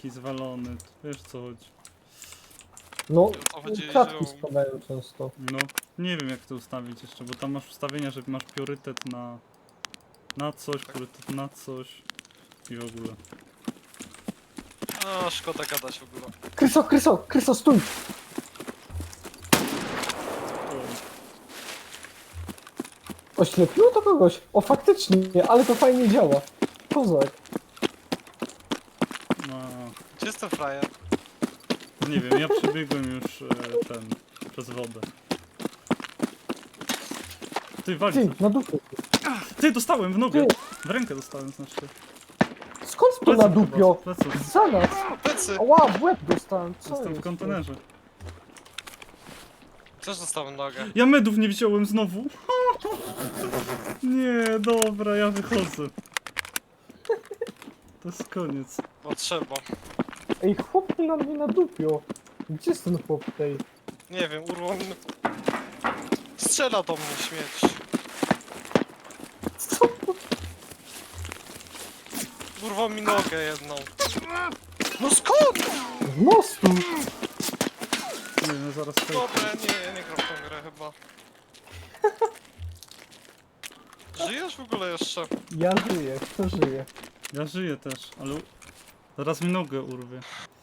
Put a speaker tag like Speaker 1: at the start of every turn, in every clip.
Speaker 1: taki zwalony, wiesz co chodzi.
Speaker 2: No,
Speaker 3: O co chodzi,
Speaker 2: kratki
Speaker 3: że-
Speaker 2: spadają często.
Speaker 1: No, nie wiem jak to ustawić jeszcze, bo tam masz ustawienia, że masz priorytet na coś, priorytet na coś i w ogóle.
Speaker 3: A, szkoda gadać w ogóle.
Speaker 2: Kryso, stój! Oślepiło to kogoś? O, faktycznie, ale to fajnie działa. Kozak.
Speaker 1: No,
Speaker 3: Gdzie jest ten frajer?
Speaker 1: nie wiem, ja przebiegłem już przez wodę. Ty, wali
Speaker 2: Ty,
Speaker 1: coś.
Speaker 2: na dupie.
Speaker 1: Ty, dostałem w nogę!
Speaker 2: Ty.
Speaker 1: W rękę dostałem, znaczy.
Speaker 2: Skąd to na dupio?
Speaker 1: Pleców.
Speaker 2: Za nas!
Speaker 3: Plecy!
Speaker 2: Ała, w łeb dostałem, co
Speaker 1: Jestem w
Speaker 2: jest?
Speaker 1: kontenerze.
Speaker 3: Też dostałem nogę.
Speaker 1: Ja medów nie wziąłem znowu. Nie, dobra, ja wychodzę. To jest koniec.
Speaker 3: Bo trzeba.
Speaker 2: Ej, chłop na mnie na dupio. Gdzie jest ten chłop tej?
Speaker 3: Nie wiem, urwał mnie. Strzela do mnie śmierć.
Speaker 2: Co to?
Speaker 3: Urwał mi nogę jedną. No skąd?
Speaker 2: Z mostu!
Speaker 1: Nie wiem, zaraz skończę.
Speaker 3: Dobra, nie gram w tą grę chyba. Żyjesz w ogóle jeszcze?
Speaker 2: Ja żyję, kto żyje?
Speaker 1: Ja żyję też, ale zaraz mi nogę urwie.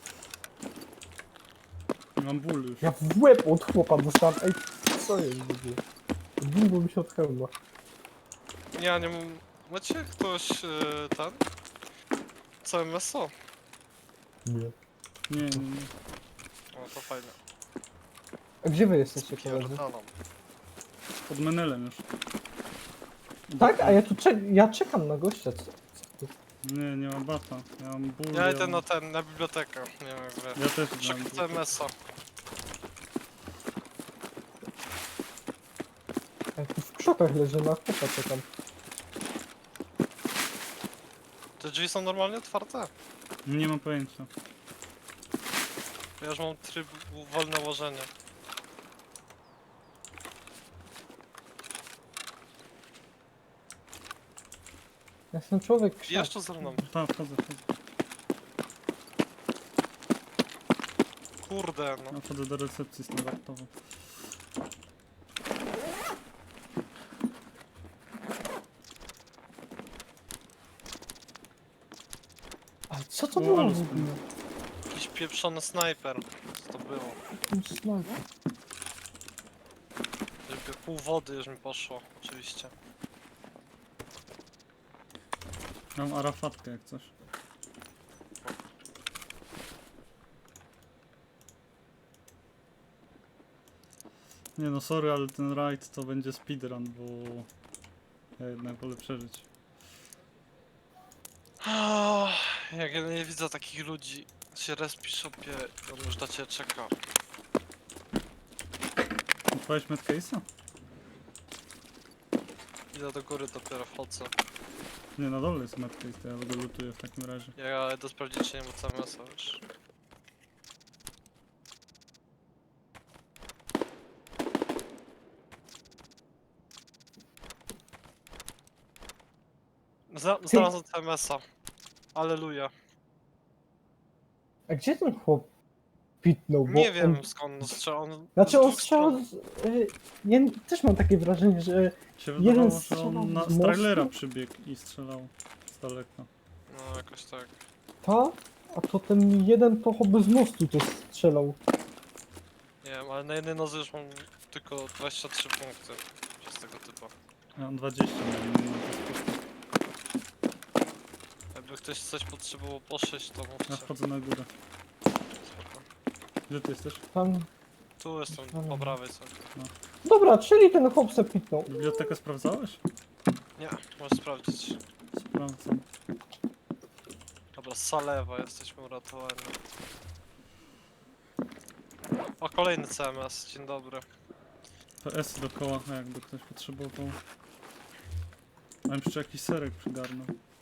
Speaker 1: Mam ból już.
Speaker 2: Ja w łeb od chłopa dostałem. Ej, co jest w ogóle? Długo mi się od hełma.
Speaker 3: Ja nie mam... Macie ktoś ten? CMSO?
Speaker 2: Nie.
Speaker 1: Nie.
Speaker 3: O, to fajne.
Speaker 2: A gdzie wy jesteście, koledzy?
Speaker 3: Pierdalam.
Speaker 1: Pod menelem już.
Speaker 2: Tak? A ja tu ja czekam na gościa. Co ty?
Speaker 1: Nie mam bata. Ja mam ból.
Speaker 3: Ja idę na bibliotekę. Nie wiem jak wy.
Speaker 1: Ja też
Speaker 3: Czekam
Speaker 1: mam.
Speaker 3: CMSO.
Speaker 2: Ja tu w krzakach leżę, na chłopa czekam.
Speaker 3: Te drzwi są normalnie otwarte?
Speaker 1: Nie mam pojęcia.
Speaker 3: Ja już mam tryb wolne łożenie.
Speaker 2: Ja jestem człowiek krzak.
Speaker 3: Jeszcze ze mną.
Speaker 1: Tak, wchodzę.
Speaker 3: Kurde, no.
Speaker 1: Ja wchodzę do recepcji standardowo.
Speaker 2: A co to
Speaker 1: O,
Speaker 2: było
Speaker 1: ale
Speaker 2: w ogóle?
Speaker 3: Jakiś pieprzony snajper. Co to było?
Speaker 2: Ten snajper.
Speaker 3: Żeby pół wody już mi poszło, oczywiście.
Speaker 1: Mam arafatkę jak coś. Nie no, sorry, ale ten raid to będzie speedrun, bo ja jednak wolę przeżyć.
Speaker 3: Jak ja nie widzę takich ludzi, się respi shopie, on już na ciebie czeka.
Speaker 1: Odpalić medcase'a?
Speaker 3: Idę do góry, dopiero wchodzę.
Speaker 1: Nie, na dole jest medcase, to ja go lutuję w takim razie.
Speaker 3: Ja idę sprawdzić, czy nie ma CMS-a już. Znalazłem CMS-a. Alleluja.
Speaker 2: A gdzie ten chłop pitnął? Bo
Speaker 3: Nie wiem
Speaker 2: On...
Speaker 3: skąd on strzela. On
Speaker 2: Znaczy
Speaker 3: z
Speaker 2: on
Speaker 3: dwóch
Speaker 2: strzelał
Speaker 3: stron.
Speaker 2: z... Ja też mam takie wrażenie, że...
Speaker 1: Się
Speaker 2: Jeden
Speaker 1: wydawało, że
Speaker 2: strzelał
Speaker 1: on
Speaker 2: z
Speaker 1: z trailera
Speaker 2: mostu?
Speaker 1: przybiegł i strzelał z daleka.
Speaker 3: No jakoś tak.
Speaker 2: Ta? A to ten jeden to choby z mostu to strzelał.
Speaker 3: Nie wiem, ale na jednej nodze już mam tylko 23 punkty przez tego typa.
Speaker 1: Ja mam 20 na nim.
Speaker 3: Jakby ktoś coś potrzebował poszyć, to
Speaker 1: Ja
Speaker 3: mówcie.
Speaker 1: wchodzę na górę.
Speaker 3: Spoko.
Speaker 1: Gdzie ty jesteś?
Speaker 2: Tam...
Speaker 3: Tu jestem, po prawej sobie.
Speaker 2: Dobra, czyli ten chłop se pitnął.
Speaker 1: Bibliotekę sprawdzałeś?
Speaker 3: Nie, możesz sprawdzić.
Speaker 1: Sprawdzam.
Speaker 3: Dobra, Salewa, jesteśmy uratowani. O, kolejny CMS, dzień dobry.
Speaker 1: PS dookoła, jakby ktoś potrzebował. A jeszcze jakiś serek przygarnął.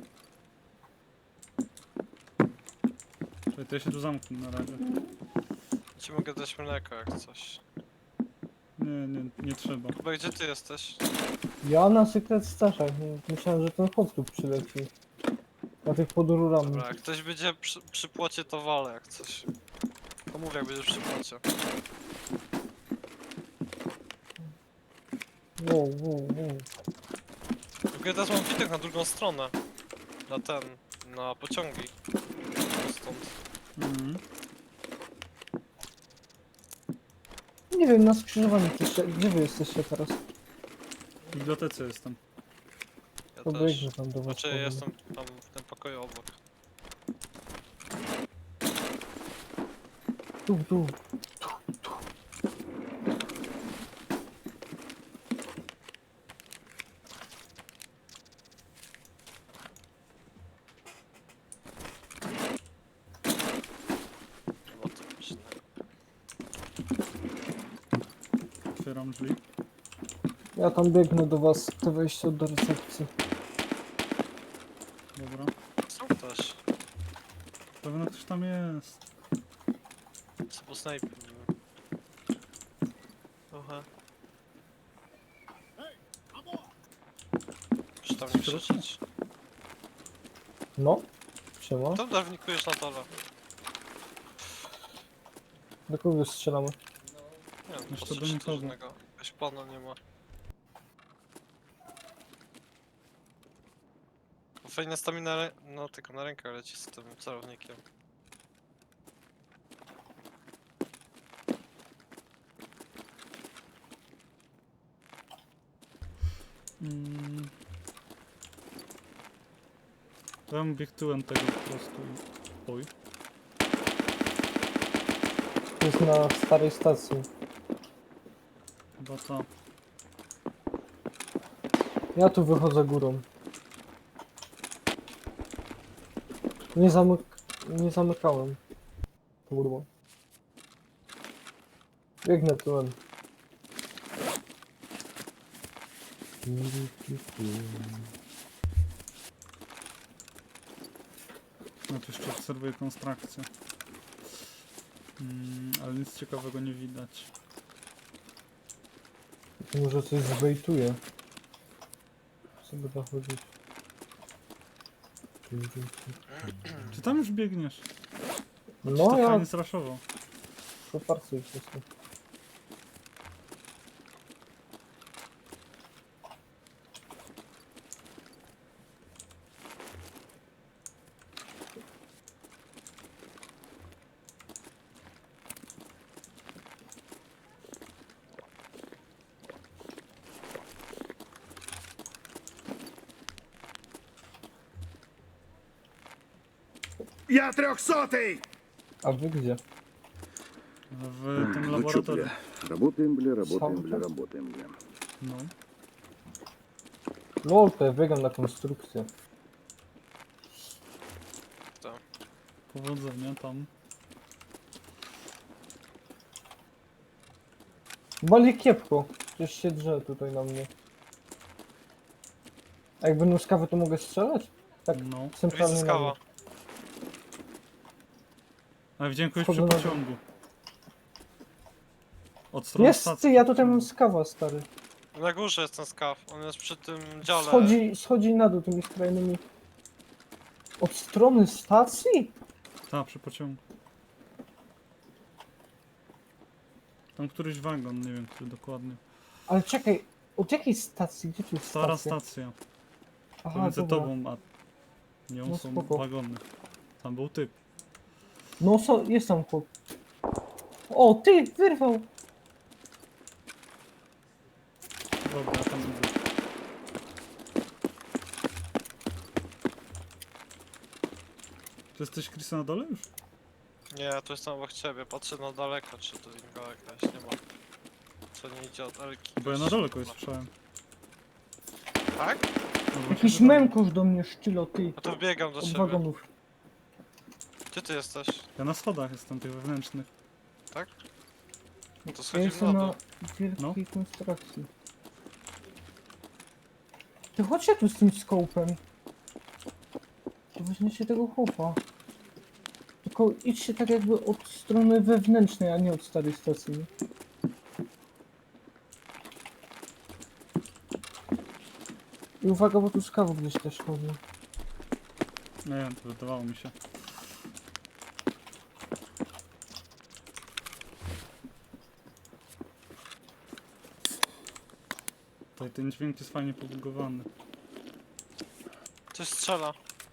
Speaker 1: Czekaj, to ja się tu zamknę na razie.
Speaker 3: Ci mogę dać mleko jak coś.
Speaker 1: Nie trzeba.
Speaker 3: Chyba gdzie ty jesteś?
Speaker 2: Ja na Secret Stashach. Myślałem, że ten chłop tu przyleci. Na tych pod rurami.
Speaker 3: Dobra, jak ktoś będzie przy płocie, to walę jak coś. To mówię, jak będziesz przy płocie.
Speaker 2: Wow, wow, wow.
Speaker 3: Tylko ja teraz mam widok na drugą stronę. Na pociągi. Stąd.
Speaker 1: Mhm.
Speaker 2: Nie wiem, na skrzyżowaniu jeszcze. Gdzie wy jesteście teraz?
Speaker 1: W bibliotece jestem.
Speaker 3: Ja
Speaker 2: To
Speaker 3: też.
Speaker 2: biegnę tam do was.
Speaker 3: Znaczy,
Speaker 2: powoli.
Speaker 3: jestem tam w tym pokoju obok.
Speaker 2: Tu.
Speaker 3: Chyba to już nie.
Speaker 1: Otwieram drzwi.
Speaker 2: Ja tam biegnę do was, te wejście do recepcji.
Speaker 1: Dobra.
Speaker 3: Są też.
Speaker 1: Pewno ktoś tam jest.
Speaker 3: Co po snajpie. Trochę. Czy tam nie krzyczeć?
Speaker 2: No. Siema.
Speaker 3: Tam dawnikujesz na dole.
Speaker 2: Do kogo strzelamy?
Speaker 3: Nie wiem,
Speaker 1: Jeszcze
Speaker 3: patrzę,
Speaker 1: do
Speaker 3: czy
Speaker 1: nikogo.
Speaker 3: to żadnego. Jakaś pana nie ma. Bo fajna stamina, no tylko na rękę leci z tym celownikiem.
Speaker 1: Mm. Ja bym biegł tyłem tego po prostu i... Oj.
Speaker 2: To jest na starej stacji.
Speaker 1: Chyba to.
Speaker 2: Ja tu wychodzę górą. Nie zamykałem. Kurwa. Biegnę tyłem.
Speaker 1: No to jeszcze obserwuję konstrukcję. Ale nic ciekawego nie widać.
Speaker 2: Może coś zbejtuje. Co by to chodzić?
Speaker 1: Czy tam już biegniesz?
Speaker 2: No
Speaker 1: to
Speaker 2: ja
Speaker 1: fajnie zraszował.
Speaker 2: poparcuję wszystko.
Speaker 4: Я 300-й!
Speaker 2: A wy gdzie?
Speaker 1: W tym
Speaker 4: Ну чё,
Speaker 1: laboratorium.
Speaker 4: бля, работаем, бля,
Speaker 2: Сам-то?
Speaker 4: работаем, бля.
Speaker 1: No.
Speaker 2: No to ja biegam na konstrukcję.
Speaker 1: Powodzenia tam.
Speaker 2: Bali kiepko. Przecież się drze tutaj na mnie. A jak będą skawy, to mogę strzelać? Tak
Speaker 1: No.
Speaker 2: centralnie na mnie.
Speaker 3: Skawa.
Speaker 1: Ale widziałem kogoś
Speaker 2: Wchodzę
Speaker 1: przy
Speaker 2: na-
Speaker 1: pociągu. Od strony
Speaker 2: Jest,
Speaker 1: stacji.
Speaker 2: ty, ja tutaj mam skawa, stary.
Speaker 3: Na górze jest ten skaw. On jest przy tym dziale.
Speaker 2: Schodzi na dół tymi skrajnymi. Od strony stacji?
Speaker 1: Tak, przy pociągu. Tam któryś wagon, nie wiem który dokładnie.
Speaker 2: Ale czekaj, od jakiej stacji? Gdzie tu jest
Speaker 1: Stara
Speaker 2: stacja?
Speaker 1: stacja.
Speaker 2: Aha,
Speaker 1: Pomiędzy
Speaker 2: dobra.
Speaker 1: tobą a nią
Speaker 2: No
Speaker 1: są
Speaker 2: spoko.
Speaker 1: wagony. Tam był typ.
Speaker 2: No jest tam chłop. O, ty, wyrwał!
Speaker 1: Dobra, ja tam idę. Czy jesteś Chris na dole już?
Speaker 3: Nie, to jestem obok ciebie. Patrzę na daleko, czy to innego jakaś nie ma. Co nie idzie od Elki.
Speaker 1: Bo ja na dole kogoś słyszałem.
Speaker 3: Tak?
Speaker 1: No właśnie,
Speaker 2: Jakiś
Speaker 1: że dole.
Speaker 2: mękosz do mnie szczylo, ty.
Speaker 3: No to wbiegam do
Speaker 2: Od
Speaker 3: ciebie.
Speaker 2: wagonów.
Speaker 3: Gdzie ty jesteś?
Speaker 1: Ja na schodach jestem, tych wewnętrznych.
Speaker 3: Tak? No to
Speaker 2: Ja
Speaker 3: schodzimy
Speaker 2: jestem
Speaker 3: na
Speaker 2: na
Speaker 3: dół.
Speaker 2: wielkiej konstrukcji. Ty chodźcie tu z tym skopem. To weźmiecie tego chłopa. Tylko idźcie tak jakby od strony wewnętrznej, a nie od starej stacji. nie? I uwaga, bo tu skawów gdzieś też chodzi.
Speaker 1: Nie wiem, to wydawało mi się. Tutaj ten dźwięk jest fajnie pobugowany.
Speaker 3: Coś strzela.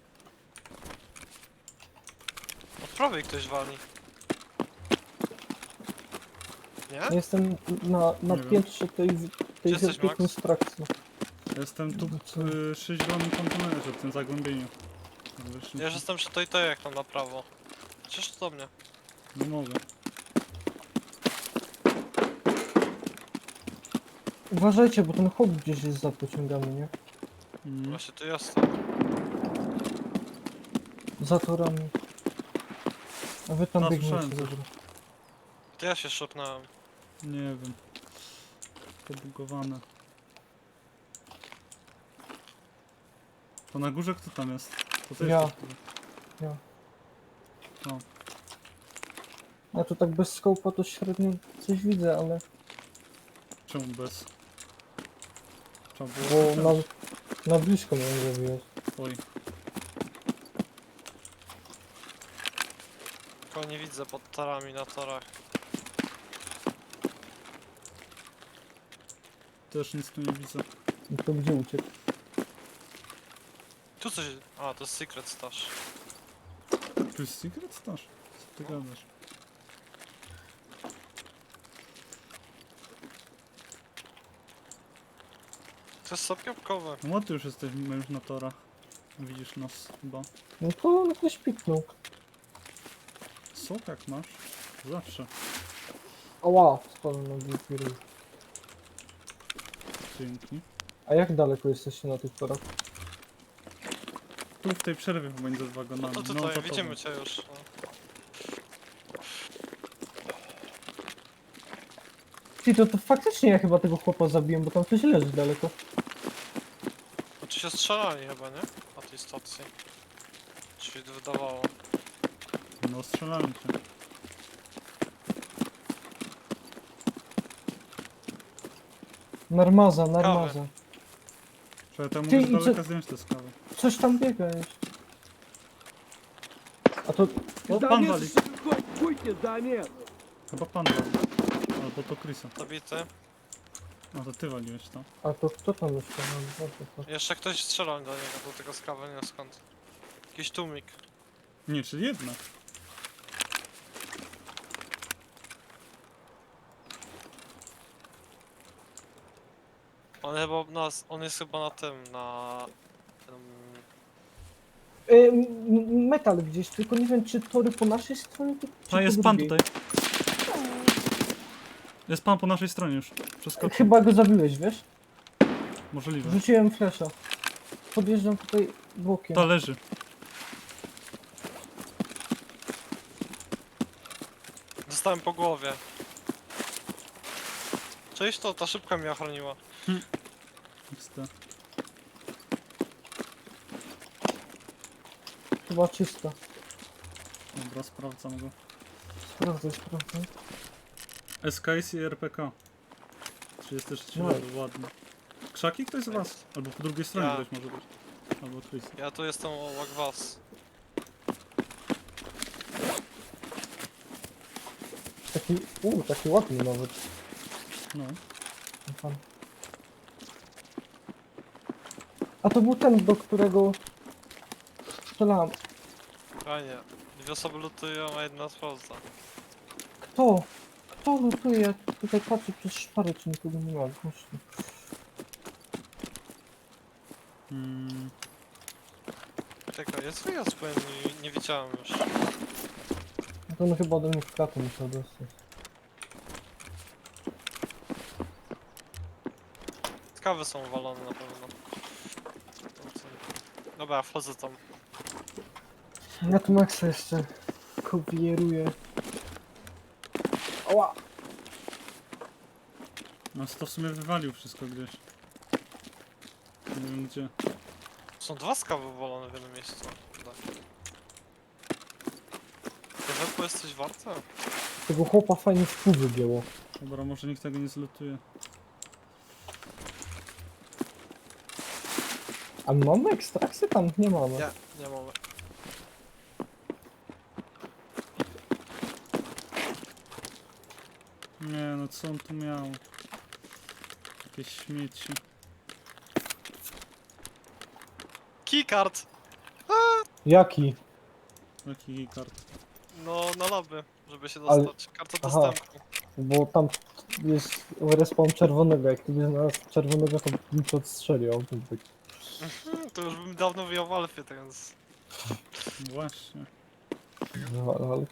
Speaker 3: Od prawej ktoś wali. Nie?
Speaker 2: Jestem na
Speaker 1: Nie wiem.
Speaker 2: piętrze tej
Speaker 3: Gdzie jesteś, Max?
Speaker 2: konstrukcji.
Speaker 1: Jestem tu
Speaker 2: Co?
Speaker 1: przy zielonym kontenerze, w tym zagłębieniu. Wyszli-
Speaker 3: Ja już jestem przy tej jak tam na prawo. Przecież to do mnie.
Speaker 1: Nie mogę.
Speaker 2: Uważajcie, bo ten chłop gdzieś jest za pociągami, nie?
Speaker 3: No właśnie tu jestem.
Speaker 2: Za torami. A wy tam
Speaker 1: No,
Speaker 2: biegniecie,
Speaker 1: słyszałem coś.
Speaker 2: dobra.
Speaker 3: To ja się szopnąłem.
Speaker 1: Nie wiem. Pobugowane. To na górze kto tam jest? To ty
Speaker 2: Ja.
Speaker 1: jesteś chyba.
Speaker 2: Ja.
Speaker 1: No.
Speaker 2: Ja tu tak bez skołpa to średnio coś widzę, ale...
Speaker 1: Czemu bez? Trzeba
Speaker 2: Bo
Speaker 1: było
Speaker 2: na blisko mnie zrobiłeś.
Speaker 1: Oj.
Speaker 3: Tylko nie widzę pod torami na torach.
Speaker 1: Też nic tu nie widzę.
Speaker 2: No to gdzie uciekł?
Speaker 3: Tu coś... A, to jest secret stash.
Speaker 1: Tu jest secret stash? Co ty gadasz?
Speaker 3: To jest sok jabłkowy.
Speaker 1: No ty już jesteśmy już na torach. Widzisz nas chyba.
Speaker 2: No to ktoś piknął.
Speaker 1: Sok jak masz? Zawsze.
Speaker 2: Ała, spadłem na głupi ryj.
Speaker 1: Dzięki.
Speaker 2: A jak daleko jesteście na tych torach?
Speaker 1: Tu w tej przerwie pomiędzy wagonami.
Speaker 3: No
Speaker 1: za
Speaker 3: tutaj,
Speaker 1: tobą.
Speaker 3: widzimy cię już. No.
Speaker 2: Ty, to faktycznie ja chyba tego chłopa zabiłem, bo tam ktoś leży daleko.
Speaker 3: Znaczy się strzelali chyba, nie? Na tej stacji. Czy się wydawało.
Speaker 1: No strzelałem cię.
Speaker 2: Narmaza, narmaza.
Speaker 1: Czy ja tam
Speaker 2: Ty,
Speaker 1: mogę z
Speaker 2: i co-
Speaker 1: daleka zdjąć te skały.
Speaker 2: Coś tam biega jeszcze. A to...
Speaker 1: O, pan wali.
Speaker 4: Будьте замес!
Speaker 1: Chyba pan wali. Albo to Chrisa.
Speaker 3: Zabity.
Speaker 1: No to ty waliłeś to.
Speaker 2: A to kto tam jeszcze? No, to.
Speaker 3: Jeszcze ktoś strzelał do niego, do tego skawy, nie wiem skąd. Jakiś tłumik.
Speaker 1: Nie, czyli jedna.
Speaker 3: On chyba on jest chyba na tym, na... Tym,
Speaker 2: Metal gdzieś, tylko nie wiem czy tory po naszej stronie, czy
Speaker 1: A
Speaker 2: po
Speaker 1: jest pan
Speaker 2: drugiej.
Speaker 1: tutaj. Jest pan po naszej stronie już. Przeskoczył.
Speaker 2: Chyba go zabiłeś, wiesz?
Speaker 1: Możliwe.
Speaker 2: Rzuciłem flesza. Podjeżdżam tutaj bokiem.
Speaker 1: To leży.
Speaker 3: dostałem po głowie. Cześć, to ta szybka mnie ochroniła.
Speaker 1: XD.
Speaker 2: Chyba czysta.
Speaker 1: Dobra, sprawdzam go.
Speaker 2: Sprawdzaj, sprawdzaj.
Speaker 1: SKS i RPK. 33
Speaker 2: No.
Speaker 1: level, ładnie. Krzaki ktoś z was? Albo po drugiej stronie
Speaker 3: Ja.
Speaker 1: ktoś może być. Albo Chris.
Speaker 3: Ja tu jestem obok was.
Speaker 2: Taki ładny nawet.
Speaker 1: No.
Speaker 2: Fan. A to był ten, do którego strzelałem.
Speaker 3: Fajnie. Dwie osoby lutują, a jedna sprawdza.
Speaker 2: Kto? Kto lutuje? Ja tutaj patrzę przez szparę, czy nikogo nie ma. Właśnie.
Speaker 1: Mm,
Speaker 3: Czekaj, jest wyjazd, powiem, nie widziałem już.
Speaker 2: No to on chyba do mnie w kratę musiał dostać.
Speaker 3: Skawy są walone na pewno. Dobra, wchodzę tam.
Speaker 2: Ja tu Maxa jeszcze kopieruję. Ała!
Speaker 1: no to w sumie wywalił wszystko gdzieś. Nie wiem gdzie.
Speaker 3: Są dwa skawy walone w jednym miejscu. Tak. To wepło jest coś warte?
Speaker 2: Tego chłopa fajnie w pół wygięło.
Speaker 1: Dobra, może nikt tego nie zlutuje.
Speaker 2: A mamy ekstrakcję? Tam nie mamy.
Speaker 3: Nie, nie mamy.
Speaker 1: Nie no, co on tu miał? Jakieś śmieci.
Speaker 3: Keycard!
Speaker 2: Jaki?
Speaker 1: Jaki kart?
Speaker 3: No, na lobby, żeby się
Speaker 2: Ale-
Speaker 3: dostać. Karta
Speaker 2: aha.
Speaker 3: dostępu.
Speaker 2: Bo tam jest respawn czerwonego, jak ty by znalazł czerwonego, to bym cię odstrzelił autentyk.
Speaker 3: To już bym dawno wyjął w Alfie, więc...
Speaker 1: Właśnie.
Speaker 2: Ale...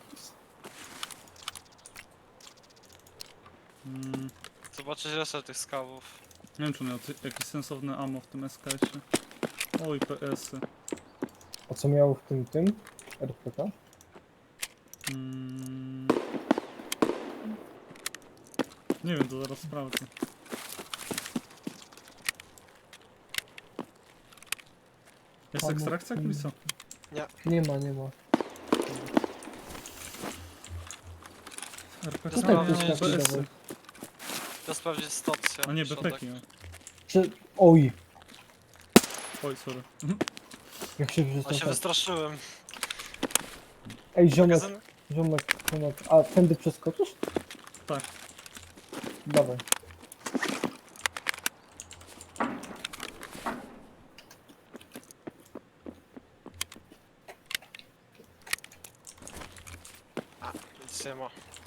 Speaker 1: Mm,
Speaker 3: Zobaczyć resztę tych skawów.
Speaker 1: nie wiem, czy miał jakieś sensowne ammo w tym SKS-ie. Oj, PS-y.
Speaker 2: A co miał w tym RPK?
Speaker 1: Mm. Nie wiem, to zaraz sprawdzę. Jest
Speaker 2: Ammo
Speaker 1: ekstrakcja,
Speaker 2: w tym-
Speaker 1: Krisa?
Speaker 2: Nie ma, nie ma.
Speaker 1: RPK
Speaker 3: Tutaj
Speaker 1: miał
Speaker 3: jest
Speaker 2: taki
Speaker 1: PS-y.
Speaker 2: dawaj.
Speaker 3: Chcę sprawdzić stację.
Speaker 1: A nie,
Speaker 3: środek.
Speaker 1: bepeki miał.
Speaker 2: Oj,
Speaker 1: Oj, sorry.
Speaker 2: jak się
Speaker 3: A się
Speaker 2: wystraszyłem.
Speaker 3: wystraszyłem.
Speaker 2: Ej, ziomek,
Speaker 3: Magazyn?
Speaker 2: ziomek. A tędy przeskoczysz?
Speaker 1: Tak.
Speaker 2: Dawaj.
Speaker 3: Nic nie ma.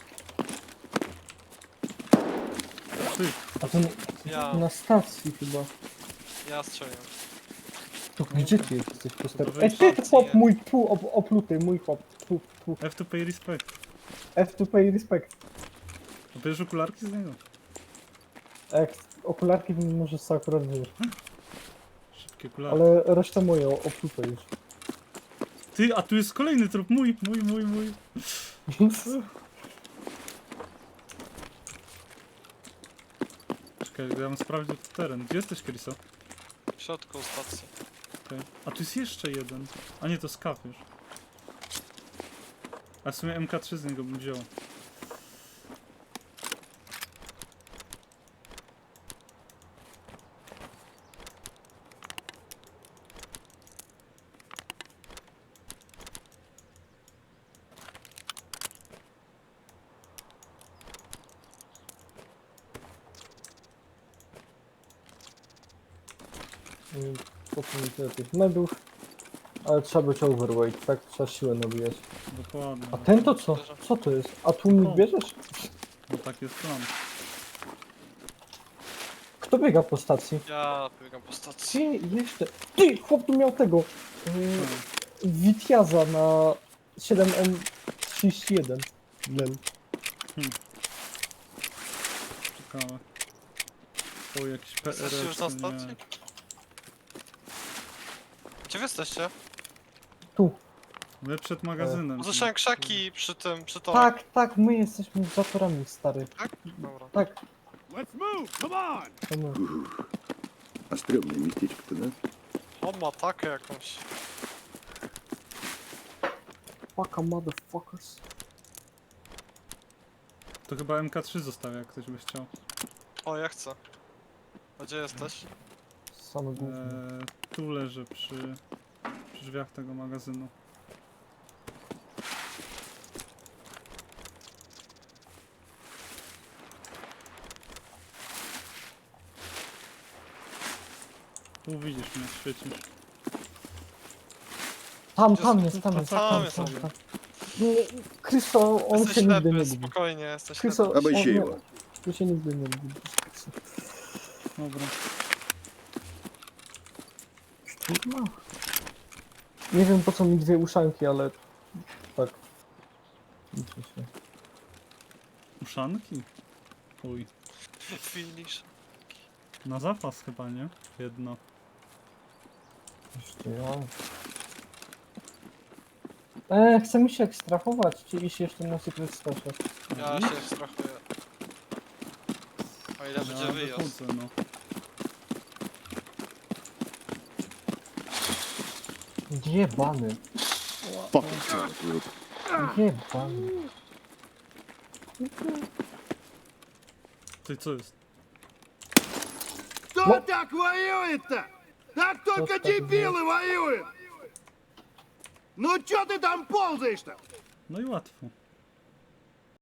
Speaker 1: Ty,
Speaker 2: A to
Speaker 3: Ja,
Speaker 2: na stacji chyba.
Speaker 3: ja strzeliłem.
Speaker 2: To gdzie ty jesteś poster?
Speaker 1: To
Speaker 2: Ej,
Speaker 1: wejdź
Speaker 2: ty
Speaker 3: stacji,
Speaker 2: chłop
Speaker 3: nie?
Speaker 2: mój, opluty, mój chłop. Tu.
Speaker 1: F2Pay respect.
Speaker 2: F2P respect.
Speaker 1: A bierzesz okularki z niego?
Speaker 2: A jak okularki to może sobie akurat wziąć.
Speaker 1: Szybkie okularki.
Speaker 2: Ale resztę moją, oplutę już.
Speaker 1: Ty, a tu jest kolejny trup. Mój. Czekaj, ja bym sprawdził teren. Gdzie jesteś, Kriso?
Speaker 3: W środku stacji.
Speaker 1: Okay. A tu jest jeszcze jeden. A nie, to skaw już. A w sumie MK3 z niego bym wziął.
Speaker 2: Po co mi tyle tych medów? Ale trzeba być overweight, tak? Trzeba siłę nabijać.
Speaker 1: Dokładnie.
Speaker 2: A ten to co? Co to jest? A tu mi
Speaker 1: O.
Speaker 2: bierzesz?
Speaker 1: No tak jest plan.
Speaker 2: Kto biega po stacji?
Speaker 3: Ja biegam po stacji.
Speaker 2: Ty, jeszcze. Ty, chłop tu miał tego. Witiaza na 7M31. Lel.
Speaker 1: Ciekawe. O, jakiś PRS.
Speaker 3: Jesteście już na
Speaker 1: nie.
Speaker 3: stacji? Gdzie wy jesteście?
Speaker 2: Tu.
Speaker 1: My przed magazynem.
Speaker 3: Usłyszałem krzaki przy tym, przy torach.
Speaker 2: Tak, my jesteśmy zatorami, stary.
Speaker 3: Tak? Dobra.
Speaker 2: Tak,
Speaker 4: Let's move! Come on!
Speaker 2: to my.
Speaker 5: А стрёмное местечко-то, да?
Speaker 3: On ma takę jakąś.
Speaker 2: Fucka motherfuckers.
Speaker 1: To chyba MK3 zostawia, jak ktoś by chciał.
Speaker 3: O, ja chcę. A gdzie jesteś?
Speaker 2: Same główne.
Speaker 1: Tu leży przy drzwiach tego magazynu. Tu widzisz mnie, świecisz.
Speaker 2: Tam
Speaker 3: Jest-
Speaker 2: jest, tam jest,
Speaker 3: tam
Speaker 2: tam,
Speaker 3: jest,
Speaker 2: tam,
Speaker 3: tam.
Speaker 2: tam. Krysto, on
Speaker 3: Jesteś
Speaker 2: się nigdy nie
Speaker 3: ślepy,
Speaker 2: lubi.
Speaker 3: spokojnie, jesteś
Speaker 2: Krysto,
Speaker 3: ślepy.
Speaker 5: Aby
Speaker 2: on
Speaker 5: się
Speaker 2: nie-
Speaker 5: jęła.
Speaker 2: on się nigdy nie lubi.
Speaker 1: Dobra.
Speaker 2: Kurwa. Nie wiem po co mi dwie uszanki, ale tak. Liczy się.
Speaker 1: Uszanki? Uj.
Speaker 3: Finish.
Speaker 1: Na zapas chyba, nie? Jedno.
Speaker 2: Jeszcze ja. Chcemy się ekstrahować, czy iść jeszcze na Secret Stasze?
Speaker 3: Ja się strachuję. O ile będzie
Speaker 1: Ja
Speaker 3: wyjazd.
Speaker 1: wychodzę, no.
Speaker 2: Jebany.
Speaker 5: Fucking hell, group.
Speaker 2: Jebany.
Speaker 1: Ty, co jest?
Speaker 4: Кто так воюет-то? Так только
Speaker 2: так
Speaker 4: дебилы воюют! Ну чё ты там ползаешь-то?
Speaker 1: No i łatwo.